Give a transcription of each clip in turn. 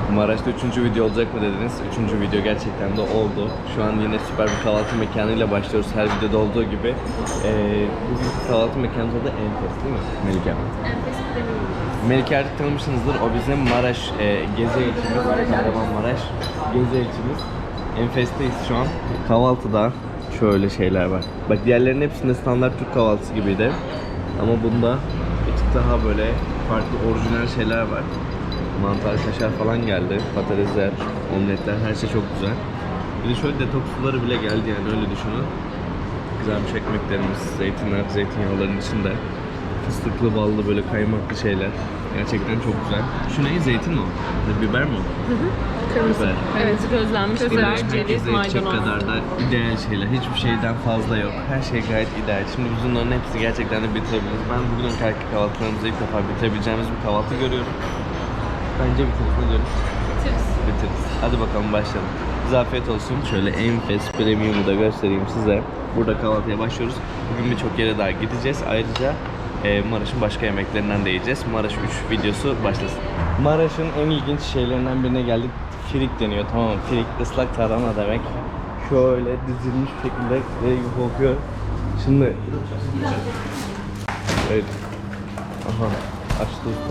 Maraş'ta 3. video olacak mı dediniz? 3. video gerçekten de oldu. Şu an yine süper bir kahvaltı mekanıyla başlıyoruz her videoda olduğu gibi. Bugünkü kahvaltı mekanımız da Enfes değil mi Melike? Enfes Premium. Melike artık tanımışsınızdır. O bizim Maraş gezi elçimiz. Kahramanmaraş gezi elçimiz. Enfes'teyiz şu an. Kahvaltıda şöyle şeyler var. Bak diğerlerinin hepsinde standart Türk kahvaltısı gibiydi. Ama bunda bir tık daha böyle farklı orijinal şeyler var. Mantar, kaşar falan geldi. Patatesler, omletler, her şey çok güzel. Bir de şöyle detoks suları bile geldi yani öyle düşünün. Kızarmış ekmeklerimiz, zeytinler, zeytinyağların içinde. Fıstıklı, ballı böyle kaymaklı şeyler. Gerçekten çok güzel. Şu ne? Zeytin mi o? Biber mi o? Kırmızı. Biber. Evet, közlenmiş biber, ceviz, maydanoz. kadar da ideal şeyler. Hiçbir şeyden fazla yok. Her şey gayet ideal. Şimdi biz bunların hepsi gerçekten de bitirebiliriz. Ben bugün kahvaltılarımızı ilk defa bitirebileceğimiz bir kahvaltı görüyorum. Bence bitiririz. Ne diyorsun? Bitiririz. Hadi bakalım başlayalım. Bize afiyet olsun. Şöyle Enfes Premium'u da göstereyim size. Burada kahvaltıya başlıyoruz. Bugün birçok yere daha gideceğiz. Ayrıca Maraş'ın başka yemeklerinden de yiyeceğiz. Maraş 3 videosu başlasın. Maraş'ın en ilginç şeylerinden birine geldik. Firik deniyor, tamam mı? Firik ıslak tarhana demek. Şöyle dizilmiş şekilde kokuyor. Şimdi evet. Aha, açtı usta.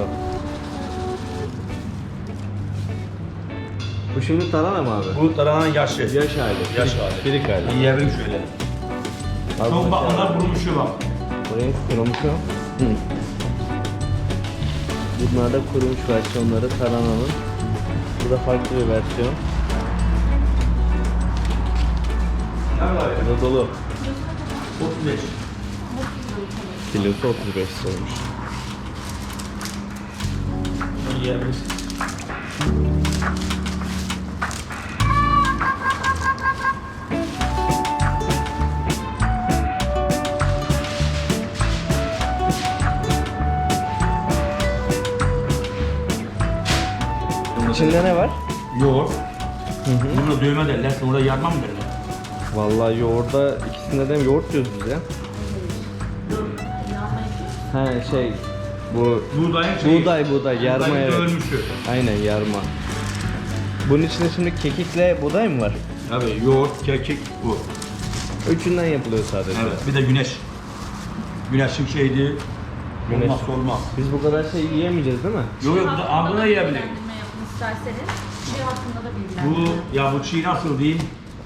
Bu şimdi tarhana mı abi? Bu tarhananın yaşı. Yaş hali. Yaş hali. Firik hali. Yiyelim şöyle. Çok bak onlar kurumuşu bak. Buraya kurumuş o. Bunlar da kurumuş versiyonları tarhananın. Bu da farklı bir versiyon. Ne var ya? Bu da dolu. 35. Kilosu 35 olmuş. Bunu yiyebiliriz. İçinde ne var? Yoğurt. Bunu dövme derler. Sonra yarma mı derler? Vallahi yoğurda ikisinde de yoğurt diyoruz biz ya. He şey bu Buğdayın şeyi. buğday yarma Buğdayın evet. dövülmüşü. Aynen yarma. Bunun içinde şimdi kekikle buğday mı var? Tabii yoğurt, kekik bu. Üçünden yapılıyor sadece. Evet. Bir de güneş. Güneşin şeydi. Güneş. Olmazsa olmaz. Biz bu kadar şey yiyemeyeceğiz değil mi? Yok yok bu da ağzına yiyebilir. Bilgilendirme yapın isterseniz. Şey hakkında da bilgilendirme. Bu ya bu çiğ nasıl diyeyim?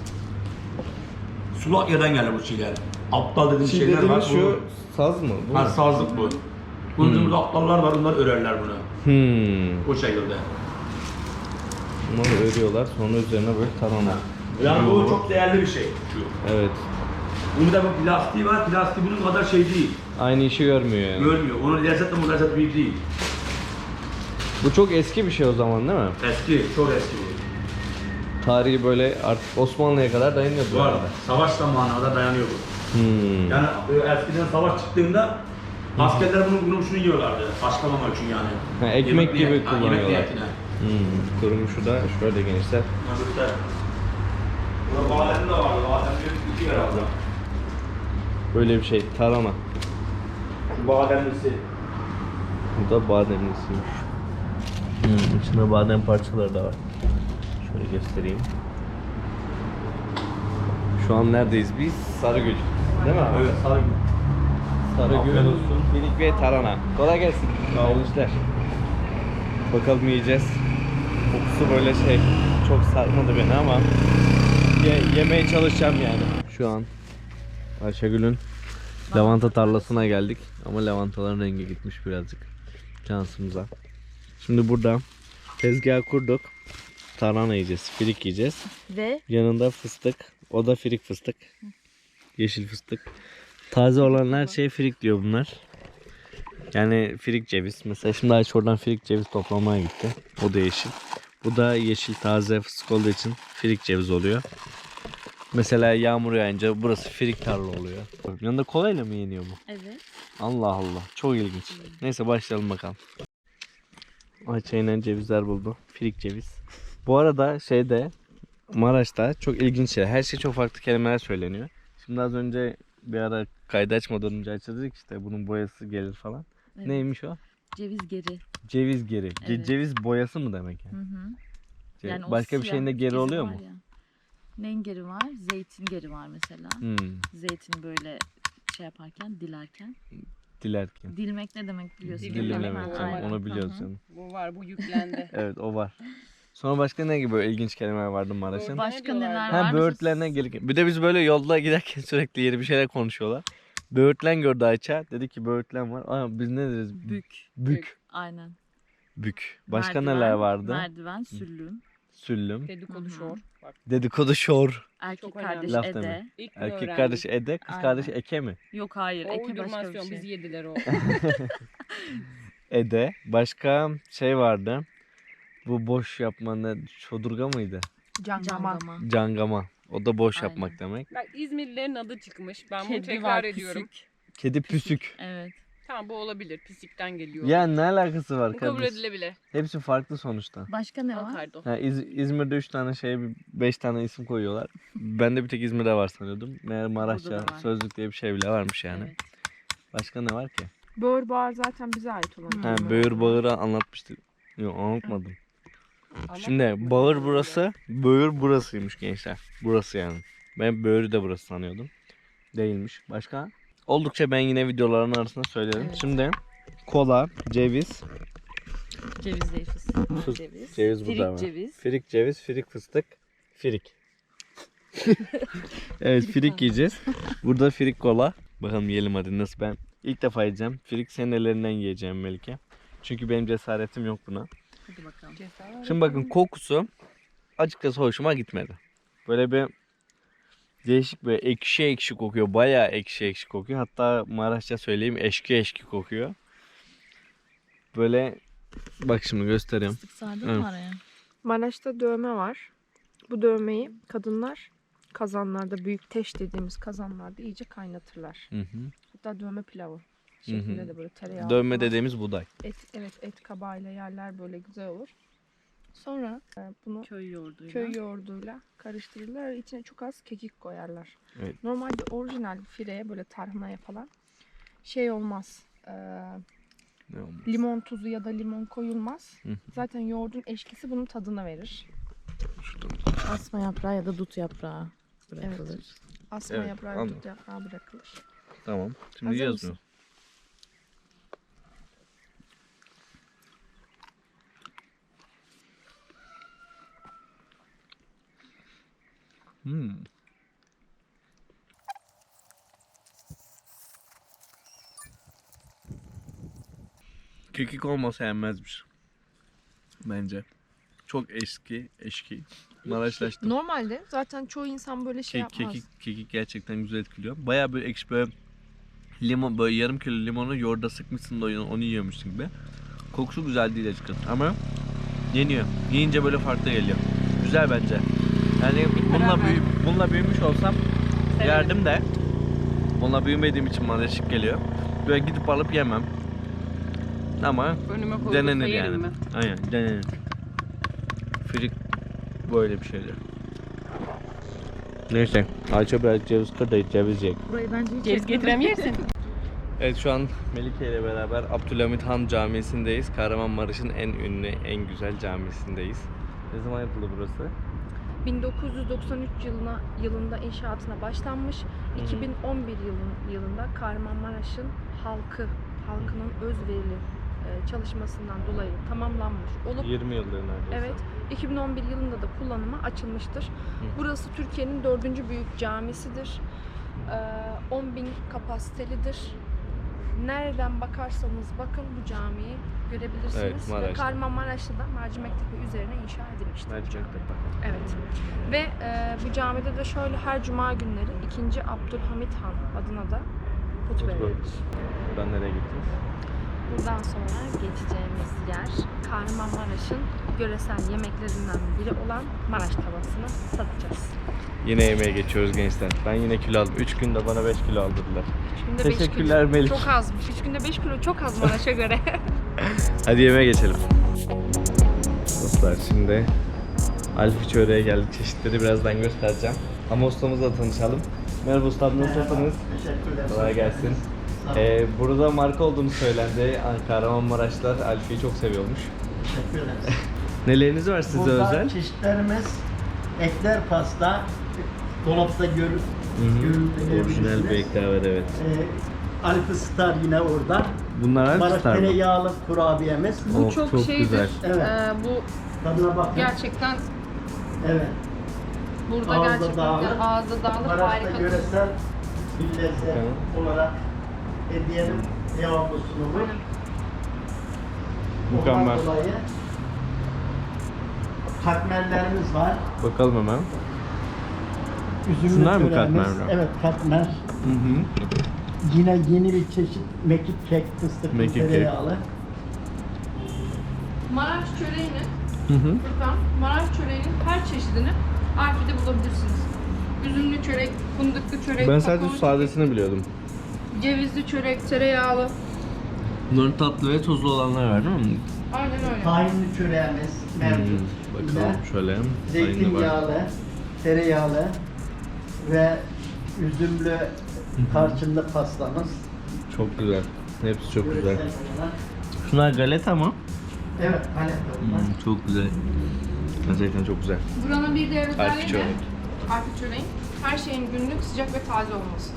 Sulak yerden gelir bu çiğler. Aptal dediğim Çiğ şeyler var. dediğimiz şu saz mı? Bu Ha mu? sazlık bu. Bunun burada aptallar var, bunlar örerler bunu. O şekilde. Bunları örüyorlar sonra üzerine böyle tarhana. Yani bu çok değerli bir şey şu. Evet. Bunu da bu plastiği var, plastiği bunun kadar şey değil. Aynı işi görmüyor yani. Görmüyor. Onun lezzetle bu lezzet bir değil. Bu çok eski bir şey o zaman değil mi? Eski, çok eski bu. Tarihi böyle artık Osmanlı'ya kadar dayanıyor bu Var. arada. Savaş zamanına kadar dayanıyor bu. Hmm. Yani eskiden savaş çıktığında askerler bunun şunu yiyorlardı. Başlamamak için yani. Ha, ekmek gibi Yemek kullanıyorlar. niyetine. Kurumuşu da şöyle gençler. Burada badem de vardı. Badem bir iki herhalde. Böyle bir şey tarhana. Şu bademlisi. Bu da bademlisiymiş. İçinde badem parçaları da var. Şöyle göstereyim. Şu an neredeyiz biz? Sarıgül. Değil mi abi? Evet, sarı. Sarıgül, Afiyet olsun. Firik ve tarhana. Kolay gelsin. Hayırlı işler. Bakalım yiyeceğiz. Kokusu böyle şey çok sarmadı beni ama yemeye çalışacağım yani. Şu an Ayşegül'ün lavanta tarlasına geldik ama lavantaların rengi gitmiş birazcık şansımıza. Şimdi burada tezgah kurduk. Tarhana yiyeceğiz, firik yiyeceğiz. Ve Yanında fıstık. O da firik fıstık. Yeşil fıstık. Taze olan her şey firik diyor bunlar. Yani firik ceviz. Mesela şimdi Ayşe oradan firik ceviz toplamaya gitti. O da yeşil. Bu da yeşil taze fıstık olduğu için firik ceviz oluyor. Mesela yağmur yağınca burası firik tarla oluyor. Yanında kolayla mı yeniyor bu? evet. Allah Allah. Çok ilginç. Neyse başlayalım bakalım. Ayça yine cevizler buldu. Firik ceviz. Bu arada şeyde Maraş'ta çok ilginç şeyler. Her şey çok farklı kelimeler söyleniyor. Şimdi az önce bir ara kaydı açmadan önce Ayça dedik işte bunun boyası gelir falan. Evet. Neymiş o? Ceviz geri. Ceviz geri. Evet. Ceviz boyası mı demek yani? Hı hı. Yani o Başka bir siyah şeyin de geri geri oluyor var mu? ya. Neyin geri var? Zeytin geri var mesela. Zeytini böyle şey yaparken, dilerken. Dilerken. Dilmek ne demek biliyorsun? Dilimlemek. değil mi? Tamam, Aynen. onu biliyoruz Hı hı. canım. Bu var, bu yüklendi. Evet o var. Sonra başka ne gibi böyle ilginç kelimeler vardı Maraş'ın? Başka neler diyorlardı? var? Ha böğürtlerine gelirken. Bir de biz böyle yolda giderken sürekli yeni bir şeyler konuşuyorlar. Böğürtlen gördü Ayça. Dedi ki böğürtlen var. Aa biz ne deriz? Bük. Bük. Aynen. Bük. Başka Merdiven, neler vardı? Merdiven, süllüm. Süllüm. Dedikodu Hı hı. şor. Bak Dedikodu şor. Erkek Çok kardeş önemli. Laf Ede. deme. ilk bunu Erkek öğrendim. kardeşi Ede, kız Aynen. kardeşi Eke mi? Yok hayır. O Eke başka bir uydurmasyon, şey. biz yediler o. Ede. Başka şey vardı. Bu boş yapma ne? Çodurga mıydı? Cangama. Cangama. Cangama. O da boş Aynen. yapmak demek. Bak İzmirlilerin adı çıkmış. Ben bunu Kedi tekrar var, ediyorum. pisik. Kedi püsük. Evet. Tamam bu olabilir. Pisikten geliyor. Ya ne alakası var bu kabul kardeş? edilebilir. Hepsi farklı sonuçta. Başka ne Al var? pardon. Ha, İzmir'de 3 tane 5 tane isim koyuyorlar. Ben de bir tek İzmir'de var sanıyordum. Meğer Maraşça, Burada da var. Sözlük diye bir şey bile varmış yani. Evet. Başka ne var ki? Böğür bağır zaten bize ait olan. Hı. Ha, kelime. böğür bağırı anlatmıştık. Yok anlatmadım. Anlatmadık Şimdi mı? bağır burası, böğür burasıymış gençler. Burası yani. Ben böğürü de burası sanıyordum. Değilmiş. Başka? Oldukça ben yine videoların arasında söylerim. Evet. Şimdi kola, ceviz, Ceviz değil fıstık. Fıs- Ceviz. ceviz Firik burada var. ceviz. Firik ceviz, firik fıstık, firik. Evet firik yiyeceğiz. Burada firik kola. Bakalım yiyelim hadi nasıl ben. İlk defa yiyeceğim. Firik senin ellerinden yiyeceğim Melike. Çünkü benim cesaretim yok buna. Hadi bakalım. Şimdi bakın kokusu açıkçası hoşuma gitmedi. Böyle bir değişik böyle ekşi ekşi kokuyor. Bayağı ekşi ekşi kokuyor. Hatta Maraşça söyleyeyim eşki eşki kokuyor. Böyle bak şimdi göstereyim. Fıstık sardın Evet. mı araya? Maraş'ta dövme var. Bu dövmeyi kadınlar kazanlarda, büyük teş dediğimiz kazanlarda iyice kaynatırlar. Hı hı. Hatta dövme pilavı şeklinde de böyle tereyağı. Dövme falan. dediğimiz buğday. Evet, et kabağıyla yerler böyle güzel olur. Sonra bunu Köy yoğurduyla. köy yoğurduyla karıştırırlar. İçine çok az kekik koyarlar. Evet. Normalde orijinal fireye böyle tarhanaya falan şey olmaz. Ne olmaz? Limon tuzu ya da limon koyulmaz. Hı hı. Zaten yoğurdun eşkisi bunun tadını verir. Asma yaprağı ya da dut yaprağı bırakılır. Asma Evet, yaprağı, anladım. dut yaprağı bırakılır. Tamam. Şimdi Hazır yiyoruz mu? mısın? Hmm. Kekik olmasa yenmezmiş. Bence. Çok eski. Maraşlaştım. Normalde zaten çoğu insan böyle şey yapmaz. Kekik gerçekten güzel etkiliyor. Bayağı böyle ekşi böyle limon böyle yarım kilo limonu yoğurda sıkmışsın da onu yiyormuşsun gibi. Kokusu güzel değil açıkçası ama yeniyor. Yiyince böyle farklı geliyor. Güzel bence. Yani bununla büyümüş olsam yerdim de bununla büyümediğim için bana şık geliyor. Böyle gidip alıp yemem. Ama Önüme koyduksa denenir yerim yani. ben. Aynen denenir. Firik böyle bir şeydir. Neyse. Ayça biraz ceviz kır da ceviz yiyek. Burayı bence hiç Ceviz getirem yersin. Evet şu an Melike ile beraber Abdülhamit Han Camisi'ndeyiz. Kahramanmaraş'ın en ünlü, en güzel camisindeyiz. Ne zaman yapıldı burası? 1993 yılında inşaatına başlanmış. 2011 yılında Kahramanmaraş'ın halkının özverili çalışmasından dolayı tamamlanmış olup 20 yıldır neredeyse. evet 2011 yılında da kullanıma açılmıştır. Burası Türkiye'nin 4. büyük camisidir. 10.000 kapasitelidir. Nereden bakarsanız bakın bu camiyi görebilirsiniz. Evet, Ve Maraş'ta. Kahramanmaraş'ta da Mercimektepe üzerine inşa edilmiştir. bu Mercimek'te cami. bak. Evet. Ve bu camide de şöyle her cuma günleri 2. Abdülhamit Han adına da hutbe verilir. Buradan nereye gittiniz? Buradan sonra geçeceğimiz yer Kahramanmaraş'ın yöresel yemeklerinden biri olan Maraş tavasını tadacağız. Yine yemeğe geçiyoruz gençler. Ben yine kilo aldım. 3 günde bana 5 kilo aldırdılar. 3 günde 5 Teşekkürler kilo. Melik. Çok azmış. 3 günde 5 kilo çok az Maraş'a göre. Hadi yemeğe geçelim. Dostlar şimdi Alfi çöreğe geldik. Çeşitleri birazdan göstereceğim. Ama ustamızla tanışalım. Merhaba ustam, nasılsınız? Teşekkürler. Kolay gelsin. Burada marka olduğunu söylendi. Kahramanmaraşlılar Alfi'yi çok seviyormuş. Teşekkür ederiz. Neleriniz var size Burada özel? çeşitlerimiz ekler pasta, dolapta Orijinal bir ekler var, evet. Alpı Star yine orada. Bunlar Maraş Alp Star mı? tereyağlı kurabiyemiz. Bu Oh, çok, çok şeydir. güzel. Evet. Bu Tadına bakın. gerçekten Evet. burada Ağızda gerçekten dağılır. ağızda dağılır, Maraş'ta harika. yöresel bir lezzet Tamam. olarak hediyenin devamlı sunulur. Mükemmel. Ondan dolayı katmerlerimiz var. Bakalım hemen. Üzümlü Şunlar mı çöreğimiz. katmerler? Evet, katmer. Yine yeni bir çeşit mekik kek, fıstıklı Mekik kek. tereyağlı. Maraş çöreğini, Hı hı. Furkan, Maraş çöreğinin her çeşidini Alfi'de bulabilirsiniz. Üzümlü çörek, fındıklı çörek, Ben sadece kakaolu sadesini biliyordum. çörek, cevizli çörek, tereyağlı. Bunların tatlı ve tuzlu olanlar var değil mi? Aynen öyle. Tahinli çöreğimiz mevcut. Bakalım şöyle. Aynı var. Zeytinyağlı, tereyağlı ve üzümlü tarçınlı pastamız. Çok güzel. Hepsi çok güzel. Yöresel olarak. Şunlar galeta mı? Evet, galeta. Çok güzel. Gerçekten çok güzel. Buranın bir diğer Alfi özelliği de çörek. Alfi çöreğin her şeyin günlük, sıcak ve taze olması.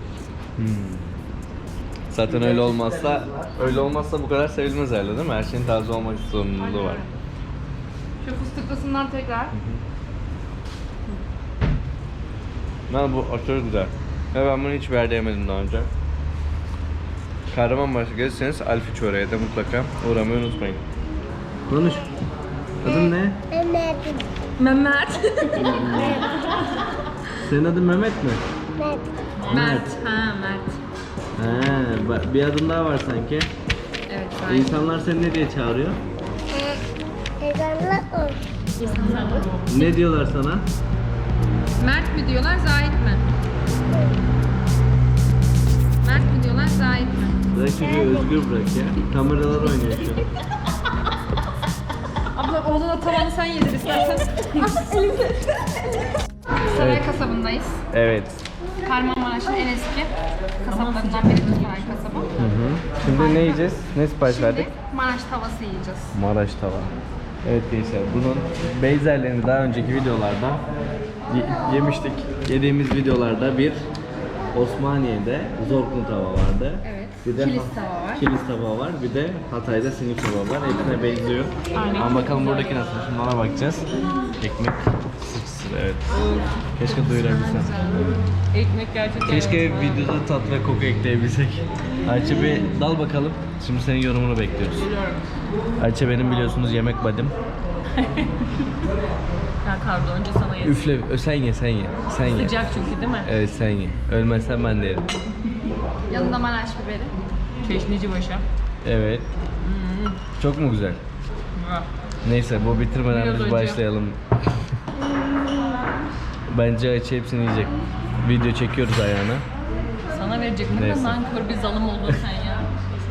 Zaten öyle olmazsa bu kadar sevilmez herhalde değil mi? Her şeyin taze olmak zorunluluğu Aynen var. öyle. Şu fıstıklısından tekrar. Ben bu aşırı güzel. Ve ben bunu hiç bir yerde yemedim daha önce. Kahramanmaraş'a gelirseniz Alfi Çöreğe de mutlaka uğramayı unutmayın. Konuş. Adın ne? Mehmet. Senin adın Mehmet mi? Mert. Ha Mert. Ha, bir adım daha var sanki. Evet aynen. İnsanlar seni ne diye çağırıyor? Ne diyorlar sana? Mert mi diyorlar, Zahit mi? Mert mi diyorlar, Zahit mi? Bırak çocuğu özgür bırak ya. Kameralar oynuyor şu an. Abla oğluna tavanı sen yedir istersen. Saray kasabındayız. Evet. Kahramanmaraş'ın en eski kasaplarından biri Saray kasabı. Şimdi ne yiyeceğiz? Ne sipariş verdik? Şimdi Maraş tavası yiyeceğiz. Maraş tava. Evet gençler, bunun benzerlerini daha önceki videolarda yemiştik. Yediğimiz videolarda bir Osmaniye'de Zorkun tava vardı. Evet. Bir de Kilis tava var. Kilis tava var. Bir de Hatay'da sinik tava var. Hepsine benziyor. Aynen. Ama bakalım buradaki nasıl? Şimdi ona bakacağız. Ekmek sıçsın, evet. Keşke duyurabilsem. Ekmek gerçekten. Keşke videoda tat ve koku ekleyebilsek. Ayça bir dal bakalım. Şimdi senin yorumunu bekliyoruz. Ayça benim biliyorsunuz yemek badim. Ya Kardo önce sana yedim. Üfle, sen ye, sen ye. Sen ye. Sıcak çünkü değil mi? Evet sen ye. Ölmezsen ben de yerim. Yanında Maraş biberi. Çeşnici başa. Evet. Çok mu güzel? Neyse bu bitirmeden Biraz biz önce. başlayalım. Bence Ayça hepsini yiyecek. Video çekiyoruz ayağına. Sana verecektim de Neyse. nankör bir zalim oldun sen ya.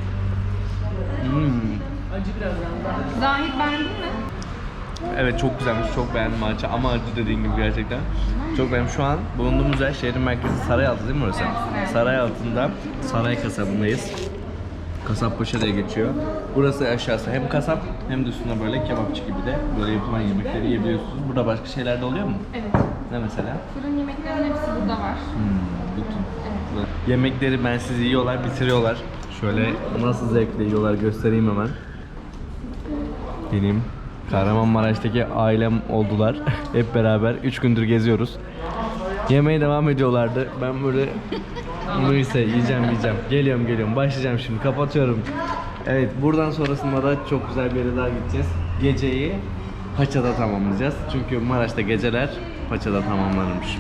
Acı biraz daha. Zahit beğendin mi? Evet çok güzelmiş, çok beğendim Ayça ama acı dediğin gibi gerçekten. Çok beğendim. Şu an bulunduğumuz yer şehrin merkezi Sarayaltı değil mi orası? Sarayaltı'nda Saray kasabındayız. Kasappaşa diye geçiyor. Burası aşağısı hem kasap hem de üstüne böyle kebapçı gibi de böyle yapılan yemekleri yiyebiliyorsunuz. Burada başka şeyler de oluyor mu? Evet. Ne mesela? Fırın yemeklerinin hepsi burada var. Bütün. Yemekleri bensiz yiyorlar, bitiriyorlar. Şöyle nasıl zevkle yiyorlar göstereyim hemen. Benim Kahramanmaraş'taki ailem oldular. Hep beraber 3 gündür geziyoruz. Yemeye devam ediyorlardı. Ben böyle neyse yiyeceğim. Geliyorum. Başlayacağım şimdi. Kapatıyorum. Evet buradan sonrasında da çok güzel bir yere daha gideceğiz. Geceyi Paça'da tamamlayacağız. Çünkü Maraş'ta geceler Paça'da tamamlanırmış.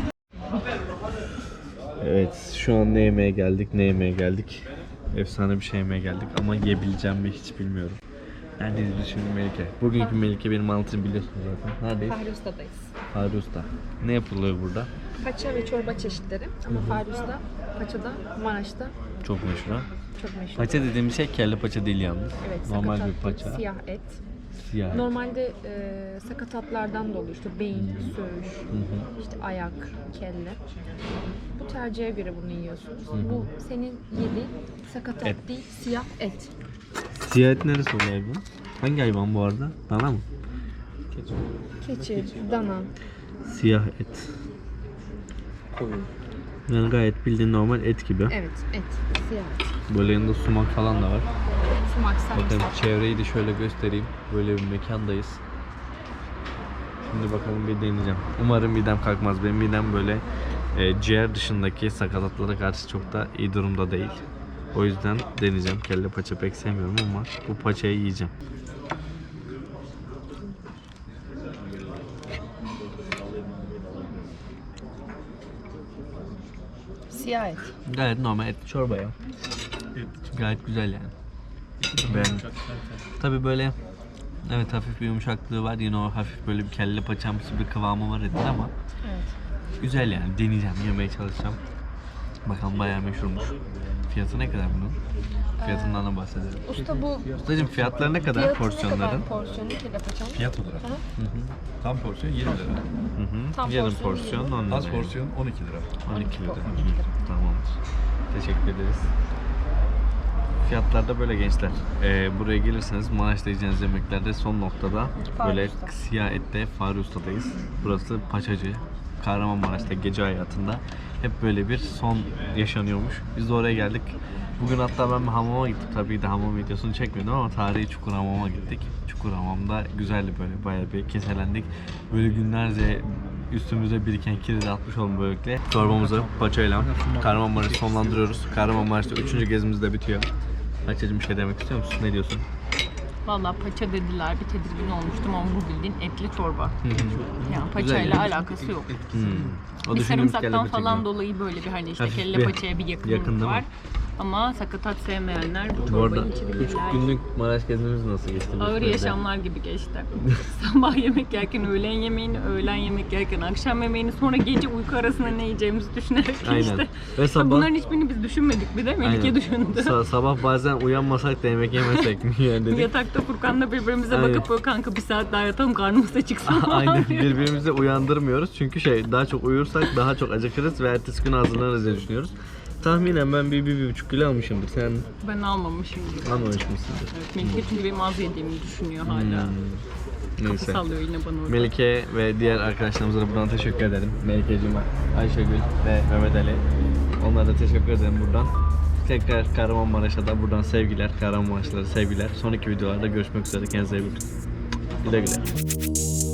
Evet şu an ne yemeye geldik? Efsane bir şey yemeye geldik ama yiyebileceğim mi hiç bilmiyorum. Neredeyiz biz şimdi Melike? Bugünkü Melike benim anlatımı biliyorsunuz zaten. Neredeyiz? Fahri Usta'dayız. Fahri Usta. Ne yapılıyor burada? Paça ve çorba çeşitleri ama Fahri Usta Paça'da, Maraş'ta Çok meşhur ha. çok meşhur. Paça dediğimiz şey kelle paça değil yalnız. Evet, Normal bir sakatat, paça. siyah et. Siyah. Normalde sakatatlardan da oluyor. İşte beyin, söğüş, işte ayak, kelle. Bu tercihe göre bunu yiyorsunuz. Bu senin yediğin sakatat Et. değil, siyah et. Siyah et neresi oluyor hayvan? Hangi hayvan bu arada? Dana mı? Keçi, dana. Siyah et. Yani gayet bildiğin normal et gibi. Evet, et. Siyah et. Böyle yanında sumak falan da var. Sumak, Bakın sarımsak. çevreyi de şöyle göstereyim. Böyle bir mekandayız. Şimdi bakalım bir deneyeceğim. Umarım midem kalkmaz. Benim midem böyle ciğer dışındaki sakatatlara karşı çok da iyi durumda değil. O yüzden deneyeceğim. Kelle paça pek sevmiyorum ama bu paçayı yiyeceğim. Siyah et. Gayet normal et çorba ya. Gayet güzel yani. Beğendim. Tabii böyle evet hafif bir yumuşaklığı var. Yine o hafif böyle bir kelle paçamsı bir kıvamı var etin ama güzel yani. Deneyeceğim, yemeye çalışacağım. Bakalım bayağı meşhurmuş. Fiyatı ne kadar bunun? Fiyatından da bahsedelim. Usta bu Ustacığım fiyatları ne kadar fiyatı ne porsiyonların? kadar porsiyonu kelle paçanın? Fiyat olarak. Tam porsiyon 20 lira. Tam Yarım porsiyon porsiyon 10 lira. Az porsiyon 12 lira. 12 lira. Tamamdır. Teşekkür ederiz. Fiyatlar da böyle gençler. Buraya gelirseniz Maraş'ta yiyeceğiniz yemeklerde son noktada böyle Usta. siyah ette Fahri Usta'dayız. Burası Paçacı. Kahramanmaraş'ta gece hayatında hep böyle bir son yaşanıyormuş. Biz de oraya geldik. Bugün hatta ben bir hamama gittim. Tabii de hamam videosunu çekmedim ama tarihi Çukurhamam'a gittik. Çukurhamam'da güzeldi böyle, bayağı bir keselendik. Böyle günlerce üstümüze biriken kiri de atmış oldum böylelikle. Çorbamızı paçayla Kahramanmaraş'ı sonlandırıyoruz. Kahramanmaraş'ta 3. gezimiz de bitiyor. Ayça'cığım bir şey demek istiyor musun? Ne diyorsun? Valla paça dediler, bir tedirgin olmuştum ama bu bildiğin etli çorba. Yani paçayla Güzel. alakası yok. O Bir düşündüğümüz sarımsaktan kelle paça falan gibi. dolayı böyle bir hani işte Hafif kelle bir paçaya bir yakın yakınlık değil mi? var. Ama sakatat sevmeyenler bu Bu arada çorbayı 3 içebilirler. günlük Maraş gezimiz nasıl geçti? Ağır yaşamlar gibi geçti. Sabah yemek yerken öğlen yemeğini, öğlen yemek yerken akşam yemeğini, sonra gece uyku arasında ne yiyeceğimizi düşünerek Aynen. işte. Ve sabah Bunların hiçbirini biz düşünmedik bir de Melike düşündü. Sabah bazen uyanmasak da yemek yemesek mi yani dedik. Yatakta Furkan'la birbirimize Aynen. bakıp böyle kanka bir saat daha yatalım karnımız da çıksın. Aynen birbirimizi uyandırmıyoruz çünkü daha çok uyursak daha çok acıkırız ve ertesi gün hazırlanırız diye düşünüyoruz. Tahminen ben bir 1,5 kilo almışımdır. Sen Ben almamışım gibi. almamış mısındır? Evet, Melike çünkü benim az yediğimi düşünüyor hala. Kapı Neyse. sallıyor yine bana orada. Melike ve diğer arkadaşlarımıza da buradan teşekkür ederim. Melike'cim, Ayşegül ve Mehmet Ali. Onlara da teşekkür ederim buradan. Tekrar Kahramanmaraş'a da buradan sevgiler. Kahramanmaraşlılara sevgiler. Sonraki videolarda görüşmek üzere. Kendinize iyi bakın. Güle güle.